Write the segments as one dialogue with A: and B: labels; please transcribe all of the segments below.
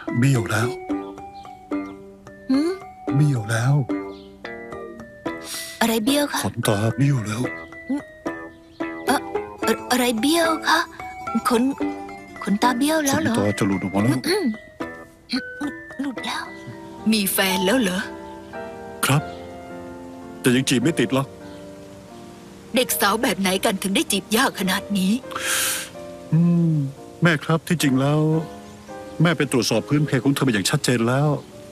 A: เบี้ยวแล้วเบี้ยวแล้ว
B: อะไรเบี้ยวคะ
A: ขนตาเบี้ยวแล้ว
B: อะไรเบี้ยวคะขนตาเบี้ยวแล้วเหรอ
A: ขนตาจะหลุดออกมาแล้ว
B: หลุดแล้ว
C: มีแฟนแล้วเหรอ
A: ครับ แต่ยังจีบไม่ติดหรอก
C: เด็กสาวแบบไหนกันถึงได้จีบยากขนาดนี้
A: แม่ครับที่จริงแล้ว แม่ไปตรวจสอบพื้นเพของเธอมาอย่างชัดเจนแล้ว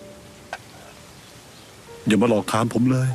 A: อย่ามาหลอกถามผมเลย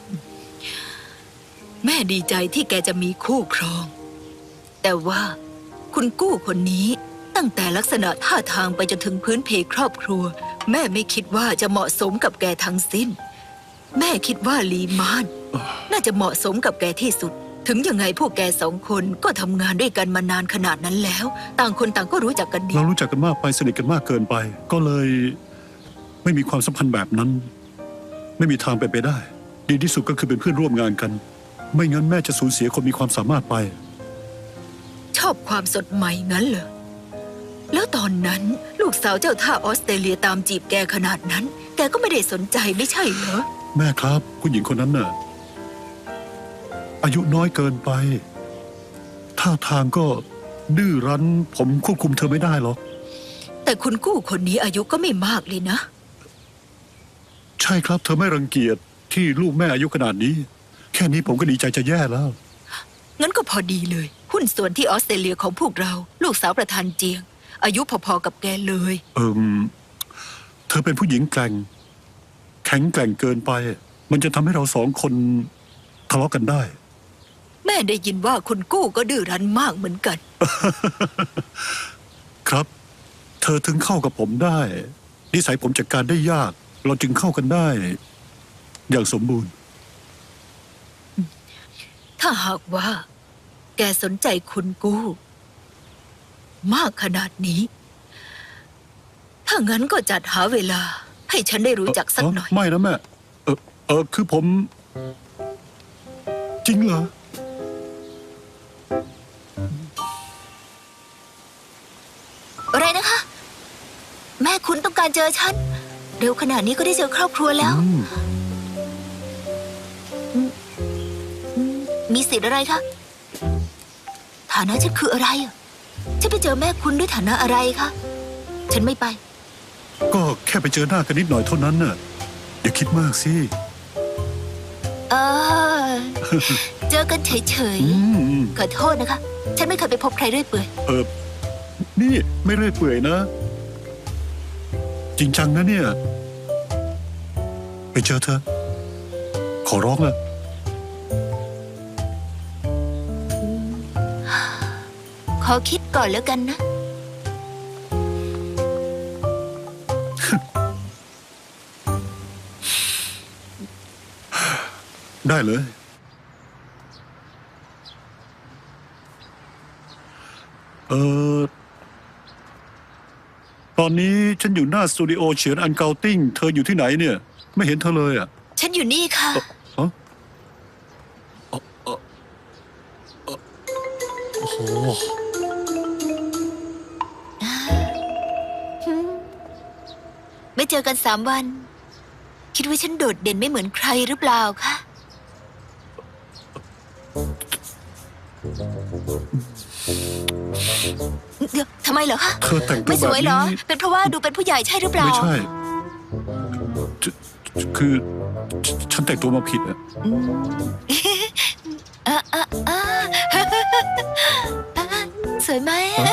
C: แม่ดีใจที่แกจะมีคู่ครอง แต่ว่าคุณกู้คนนี้ตั้งแต่ลักษณะท่าทางไปจนถึงพื้นเพครอบครัว แม่ไม่คิดว่าจะเหมาะสมกับแกทั้งสิ้น แม่คิดว่าลีมานน่าจะเหมาะสมกับแกที่สุด ถึงยังไงพวกแกสองคนก็ทำงานด้วยกันมานานขนาดนั้นแล้ว ต่างคนต่างก็รู้จักกันดี
A: เรารู้จักกันมากไปสนิทกันมากเกินไป ก็เลยไม่มีความสัมพันธ์แบบนั้น ไม่มีทางเป็นไปได้ ดีที่สุดก็คือเป็นเพื่อนร่วมงานกัน ไม่งั้นแม่จะสูญเสียคนมีความสามารถไป
C: ชอบความสดใหม่งั้นเหรอ แล้วตอนนั้นลูกสาวเจ้าท่าออสเตรเลียตามจีบแกขนาดนั้น แกก็ไม่ได้สนใจไม่ใช่เหรอ
A: แม่ครับผู้หญิงคนนั้นน่ะอายุน้อยเกินไปท่าทางก็ดื้อรั้นผมควบคุมเธอไม่ได้หรอก
C: แต่คุณกู้คนนี้อายุก็ไม่มากเลยนะ
A: ใช่ครับเธอไม่รังเกียจที่ลูกแม่อายุขนาดนี้ แค่นี้ผมก็ดีใจจะแย่แล้ว
C: งั้นก็พอดีเลย หุ้นส่วนที่ออสเตรเลียของพวกเรา ลูกสาวประธานเจียง อายุพอๆกับแกเลย
A: เธอเป็นผู้หญิงแกร่งแข็งแกร่งเกินไป มันจะทำให้เราสองคนทะเลาะกันได้
C: แม่ได้ยินว่าคุณกู้ก็ดื้อรั้นมากเหมือนกัน
A: ครับ เธอถึงเข้ากับผมได้ นิสัยผมจัดการได้ยาก เราจึงเข้ากันได้ อย่างสมบูรณ์
C: ถ้าหากว่า แกสนใจคุณกู้ มากขนาดนี้ ถ้างั้นก็จัดหาเวลา ให้ฉันได้รู้จักสักหน่อย
A: ไม่นะแม่คือผม จริงเหรอ
B: อะไรนะคะ แม่คุณต้องการเจอฉัน เร็วขนาดนี้ก็ได้เจอครอบครัวแล้ว มีสิทธิ์อะไรคะ ฐานะฉันคืออะไรอะฉันไปเจอแม่คุณด้วยฐานะอะไรคะ ฉันไม่ไป
A: ก็แค่ไปเจอหน้ากันนิดหน่อยเท่านั้นน่ะอย่าคิดมากสิ
B: เออ เจอกันเฉยๆ ขอโทษนะคะ ฉันไม่เคยไปพบใครเรื่อยเปื่อย
A: นี่ไม่เรื่อยเปื่อยนะ จริงจังนะเนี่ย ไปเจอเธอ ขอร้องละ
B: ขอคิดก่อนแล้วกันนะ
A: ได้เลย ตอนนี้ฉันอยู่หน้าสตูดิโอเฉียนอันเกาติ้ง เธออยู่ที่ไหนเนี่ย ไม่เห็นเธอเลยอ่ะ
B: ฉันอยู่นี่ค่ะ
A: ฮะโอ้โห
B: ไม่เจอกัน3 วัน คิดว่าฉันโดดเด่นไม่เหมือนใครหรือเปล่าคะเดี๋ยวทำไมเหรอคะ
A: เธอแต่งตัว
B: ไม่ส
A: แบบ
B: วยเหรอ
A: นี้
B: เป็นเพราะว่าดูเป็นผู้ใหญ่ใช่หรือเปล่า
A: ไม่ใช่คือฉันแต่งตัวมาผิดอ่ะ
B: อ่ะอ่ะอ่ะสวยไหม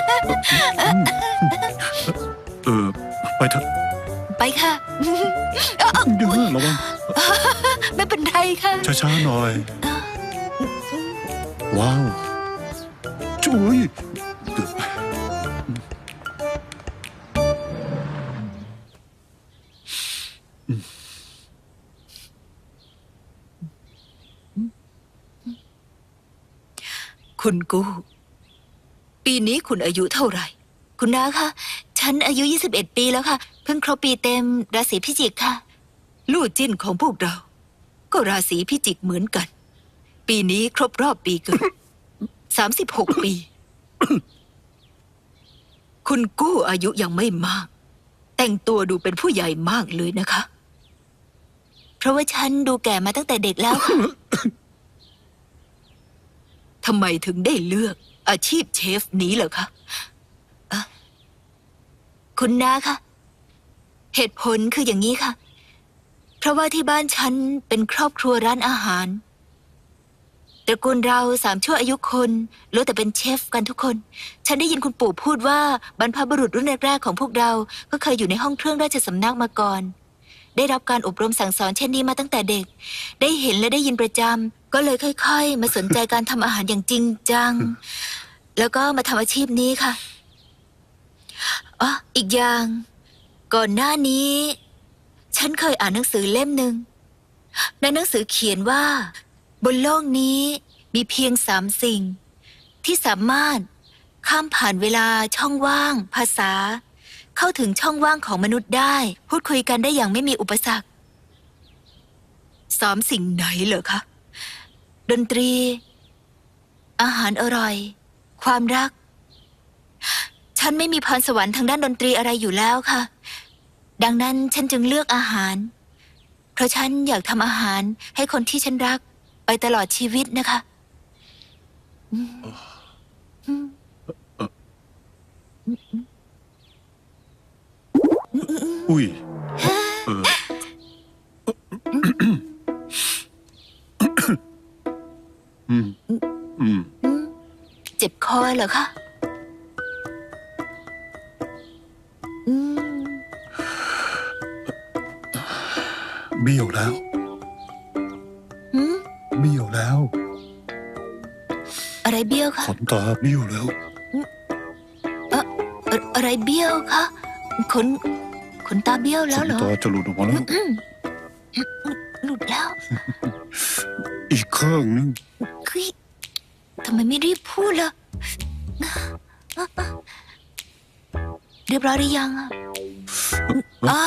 A: ไปเถอะ
B: ไปค่ะ
A: เดี๋ยวระวัง
B: ไม่เป็นไรค่ะ
A: ช้าๆหน่อย ว้าวจุ๊ยเกือบ
C: คุณกู้ ปีนี้คุณอายุเท่าไหร่
B: คุณน้าคะ ฉันอายุ21 ปีแล้วค่ะ เพิ่งครบปีเต็มราศีพิจิกค่ะ
C: ลู่จิ้นของพวกเรา ก็ราศีพิจิกเหมือนกัน ปีนี้ครบรอบปีเกิด 36 ปี คุณกู้อายุยังไม่มากแต่งตัวดูเป็นผู้ใหญ่มากเลยนะคะ
B: เพราะว่าฉันดูแก่มาตั้งแต่เด็กแล้ว
C: ทำไมถึงได้เลือกอาชีพเชฟนี้เหรอคะ
B: คุณน้าคะเหตุผลคืออย่างนี้ค่ะ เพราะว่าที่บ้านฉันเป็นครอบครัวร้านอาหารตระกูลเรา3 ชั่วอายุคนล้วนแต่เป็นเชฟกันทุกคน ฉันได้ยินคุณปู่พูดว่าบรรพบุรุษรุ่นแรกๆของพวกเราก็เคยอยู่ในห้องเครื่องราชสำนักมาก่อน ได้รับการอบรมสั่งสอนเช่นนี้มาตั้งแต่เด็ก ได้เห็นและได้ยินประจำก็เลยค่อยๆมาสนใจการทำอาหารอย่างจริงจัง แล้วก็มาทำอาชีพนี้ค่ะอ๋ออีกอย่าง ก่อนหน้านี้ ฉันเคยอ่านหนังสือเล่มหนึ่งในหนังสือเขียนว่า บนโลกนี้มีเพียง3 สิ่ง ที่สามารถข้ามผ่านเวลาช่องว่าง ภาษา เข้าถึงช่องว่างของมนุษย์ได้ พูดคุยกันได้อย่างไม่มีอุปสรรค
C: 3 สิ่งไหนเหรอคะ
B: ดนตรี อาหารอร่อย ความรัก ฉันไม่มีพรสวรรค์ทางด้านดนตรีอะไรอยู่แล้วค่ะ ดังนั้นฉันจึงเลือกอาหาร เพราะฉันอยากทำอาหารให้คนที่ฉันรักไปตลอดชีวิตนะคะ
A: อุ้ยอืมอืม
B: เจ็บคอเหรอคะอืม
A: เบี้ยวแล้ว
B: หืม
A: เบี้ยวแล้ว
B: อะไรเบี้ยวคะ
A: ขนตาเบี้ยวแล้ว
B: อะไรเบี้ยวคะขนตาเบี้ยวแล้ว
A: ขน
B: เหรอ
A: ตาจะหลุดออกมาแล้ว
B: หลุดแล้ว
A: อีกข้างนึง
B: คือทำไมไม่รีบพูดล่ะเรียบร้อยหรือยังอะอ๋อ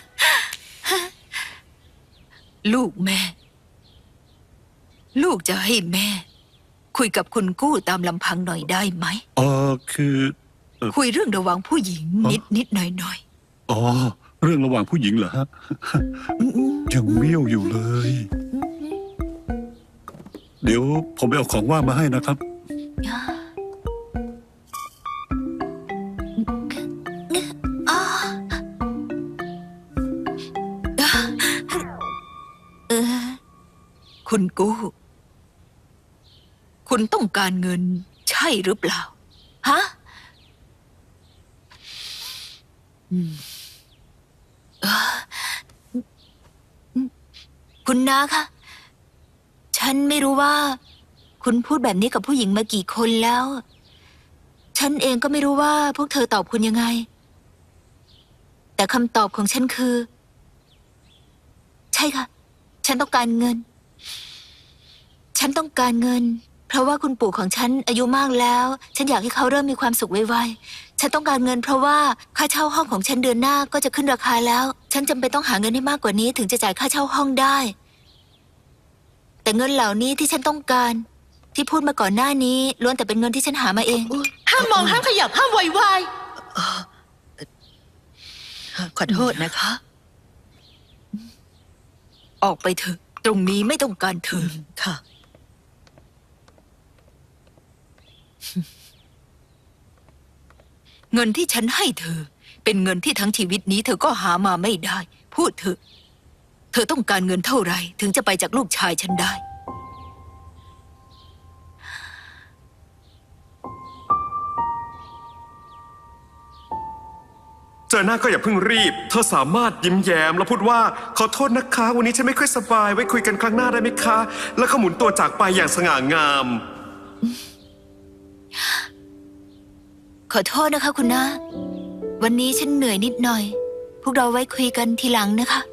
C: ลูกแม่ ลูกจะให้แม่ คุยกับคุณกู้ตามลำพังหน่อยได้ไหม
A: คือ
C: คุยเรื่องระหว่างผู้หญิง
A: อ๋อ
C: นิดหน่อย
A: อ๋อ เรื่องระหว่างผู้หญิงเหรอฮะ ยังเบี้ยวอยู่เลย เดี๋ยวผมไปเอาของว่างมาให้นะครับ
B: อ๋อเออ
C: ๆ คุณกู้ คุณต้องการเงินใช่หรือเปล่า
B: ฮะ คุณน้าคะ ฉันไม่รู้ว่า คุณพูดแบบนี้กับผู้หญิงมากี่คนแล้ว ฉันเองก็ไม่รู้ว่าพวกเธอตอบคุณยังไง แต่คำตอบของฉันคือ ใช่ค่ะ ฉันต้องการเงิน ฉันต้องการเงิน เพราะว่าคุณปู่ของฉันอายุมากแล้ว ฉันอยากให้เขาเริ่มมีความสุขไวๆ ฉันต้องการเงินเพราะว่าค่าเช่าห้องของฉันเดือนหน้าก็จะขึ้นราคาแล้ว ฉันจำเป็นต้องหาเงินให้มากกว่านี้ถึงจะจ่ายค่าเช่าห้องได้ แต่เงินเหล่านี้ที่ฉันต้องการ ที่พูดมาก่อนหน้านี้ล้วนแต่เป็นเงินที่ฉันหามาเอง
D: ห้ามมองห้ามขยับห้ามไวไว
C: ขอโทษนะคะ ออกไปเถอะ ตรงนี้ไม่ต้องการเธอ
D: ค่ะ
C: เงินที่ฉันให้เธอ เป็นเงินที่ทั้งชีวิตนี้เธอก็หามาไม่ได้ พูดเถอะ เธอต้องการเงินเท่าไหร่ถึงจะไปจากลูกชายฉันได้
E: เจอหน้าก็อย่าเพิ่งรีบ เธอสามารถยิ้มแย้มแล้วพูดว่าขอโทษนะคะ วันนี้ฉันไม่ค่อยสบาย ไว้คุยกันครั้งหน้าได้ไหมคะ แล้วก็หมุนตัวจากไปอย่างสง่างาม
B: ขอโทษนะคะคุณน้า วันนี้ฉันเหนื่อยนิดหน่อย พวกเราไว้คุยกันทีหลังนะคะ